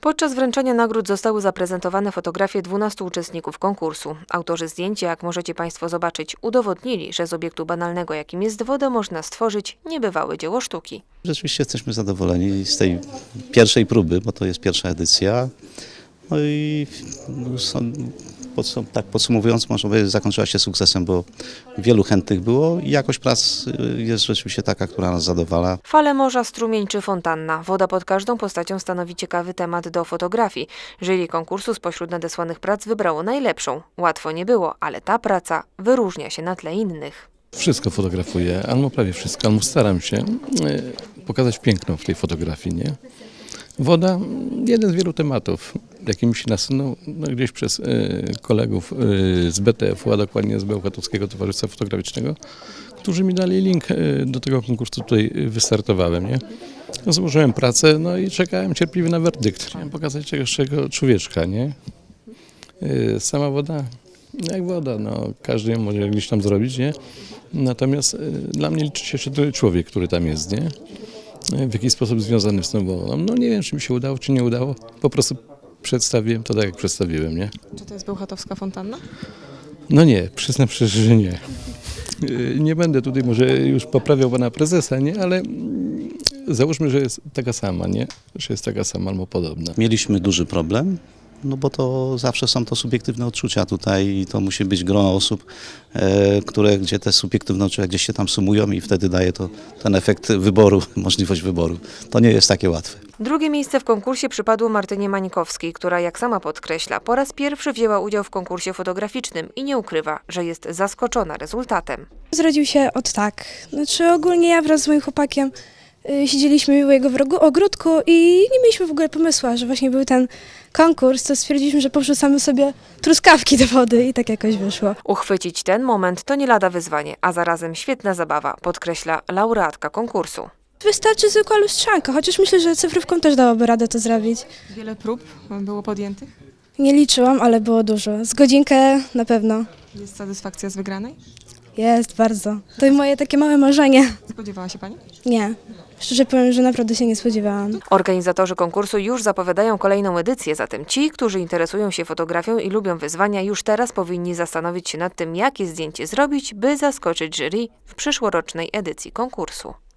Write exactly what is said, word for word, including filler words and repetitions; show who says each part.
Speaker 1: Podczas wręczenia nagród zostały zaprezentowane fotografie dwunastu uczestników konkursu. Autorzy zdjęcia, jak możecie Państwo zobaczyć, udowodnili, że z obiektu banalnego, jakim jest woda, można stworzyć niebywałe dzieło sztuki.
Speaker 2: Rzeczywiście jesteśmy zadowoleni z tej pierwszej próby, bo to jest pierwsza edycja. No i no, są, podsum tak podsumowując, można powiedzieć, zakończyła się sukcesem, bo wielu chętnych było i jakość prac jest rzeczywiście taka, która nas zadowala.
Speaker 1: Fale morza, strumień czy fontanna. Woda pod każdą postacią stanowi ciekawy temat do fotografii. Jury konkursu spośród nadesłanych prac wybrało najlepszą. Łatwo nie było, ale ta praca wyróżnia się na tle innych.
Speaker 3: Wszystko fotografuję, albo prawie wszystko, albo staram się pokazać piękno w tej fotografii, nie? Woda, jeden z wielu tematów, jaki mi się nasunął no, gdzieś przez y, kolegów y, z B T F u, a dokładnie z Bełchatowskiego Towarzystwa Fotograficznego, którzy mi dali link y, do tego konkursu, tutaj wystartowałem, nie? Złożyłem pracę, no i czekałem cierpliwie na werdykt. Chciałem pokazać czegoś czego człowieczka, nie? Y, sama woda, jak woda, no każdy ją może gdzieś tam zrobić, nie? Natomiast y, dla mnie liczy się jeszcze człowiek, który tam jest, nie? W jaki sposób związany z tą wodą. No nie wiem, czy mi się udało, czy nie udało. Po prostu przedstawiłem to tak, jak przedstawiłem, nie?
Speaker 4: Czy to jest Bełchatowska fontanna?
Speaker 3: No nie, przyznam szczerze, że nie. Nie będę tutaj może już poprawiał pana prezesa, nie? Ale załóżmy, że jest taka sama, nie? Że jest taka sama albo podobna.
Speaker 2: Mieliśmy duży problem, no bo to zawsze są to subiektywne odczucia tutaj i to musi być grono osób, e, które, gdzie te subiektywne odczucia gdzieś się tam sumują i wtedy daje to ten efekt wyboru, możliwość wyboru. To nie jest takie łatwe.
Speaker 1: Drugie miejsce w konkursie przypadło Martynie Mańkowskiej, która, jak sama podkreśla, po raz pierwszy wzięła udział w konkursie fotograficznym i nie ukrywa, że jest zaskoczona rezultatem.
Speaker 5: Zrodził się od tak. Znaczy ogólnie ja wraz z moim chłopakiem y, siedzieliśmy u jego w rogu, ogródku i nie mieliśmy w ogóle pomysłu, że właśnie był ten konkurs, to stwierdziliśmy, że powrzucamy sobie truskawki do wody i tak jakoś wyszło.
Speaker 1: Uchwycić ten moment to nie lada wyzwanie, a zarazem świetna zabawa, podkreśla laureatka konkursu.
Speaker 5: Wystarczy zwykła lustrzanka, chociaż myślę, że cyfrówką też dałoby radę to zrobić.
Speaker 4: Wiele prób było podjętych?
Speaker 5: Nie liczyłam, ale było dużo. Z godzinkę na pewno.
Speaker 4: Jest satysfakcja z wygranej?
Speaker 5: Jest, bardzo. To moje takie małe marzenie.
Speaker 4: Spodziewała się Pani?
Speaker 5: Nie. Szczerze powiem, że naprawdę się nie spodziewałam.
Speaker 1: Organizatorzy konkursu już zapowiadają kolejną edycję, zatem ci, którzy interesują się fotografią i lubią wyzwania, już teraz powinni zastanowić się nad tym, jakie zdjęcie zrobić, by zaskoczyć jury w przyszłorocznej edycji konkursu.